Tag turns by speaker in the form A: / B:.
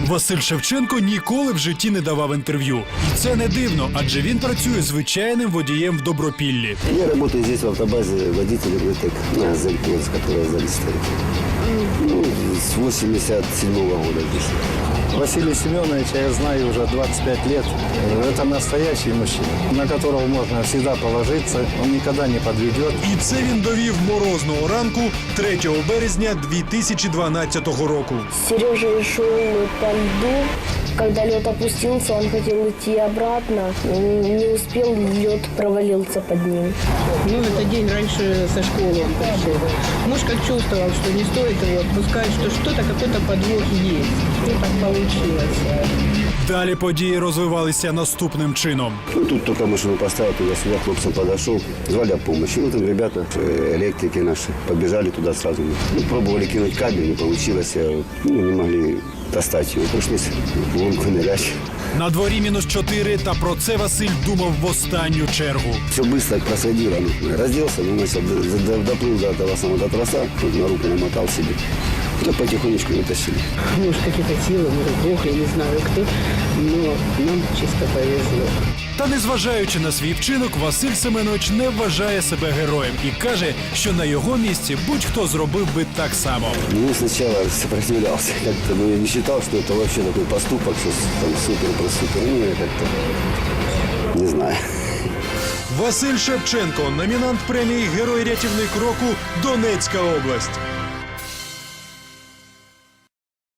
A: Василь Шевченко ніколи в житті не давав інтерв'ю. І це не дивно, адже він працює звичайним водієм в Добропіллі.
B: Я работаю здесь в автобазе водителем ГТЭК на Зельпонс, которая зарегистрирована. Ну, с 87-го года здесь.
C: Василия Семеновича я знаю уже 25 лет. Это настоящий мужчина, на которого можно всегда положиться. Он никогда не подведет.
A: І це він довів морозного ранку 3 березня 2012 року.
D: Сережа шел по льду. Когда лед опустился, он хотел идти обратно. Не успел, лед провалился под ним.
E: Ну, это день раньше со школы он пришел. Муж как чувствовал, что не стоит его отпускать, что что-то, какой-то подвох есть. Ну, так получилось.
A: Далі події розвивалися наступним чином.
B: Ну, тут только машину поставил, туда-сюда хлопцам подошел, звали о помощи. Ну, там ребята, электрики наши, побежали туда сразу. Ну, пробовали кинуть кабель, не получилось, ну, не могли достать его. Пришлось в лунку нырять.
A: На дворі -4, та про це Василь думав в останню чергу.
B: Все быстро происходило. Ну, разделся, ну, начал, доплыл до этого самого троса, тут на руку намотал себе. Да потихонечку вытащили.
E: Может, какие-то силы, может, Бог, я не знаю кто, но нам чисто повезло.
A: Та незважаючи на свій вчинок, Василь Семенович не вважає себе героєм і каже, що на його місці будь-хто зробив би так само.
B: Ну, сначала сопротивлялся как-то, но я не считал, что это вообще такой поступок, что там супер-просупер. Ну, я как-то не знаю.
A: Василь Шевченко, номінант премії «Герой-рятівник року», Донецька область.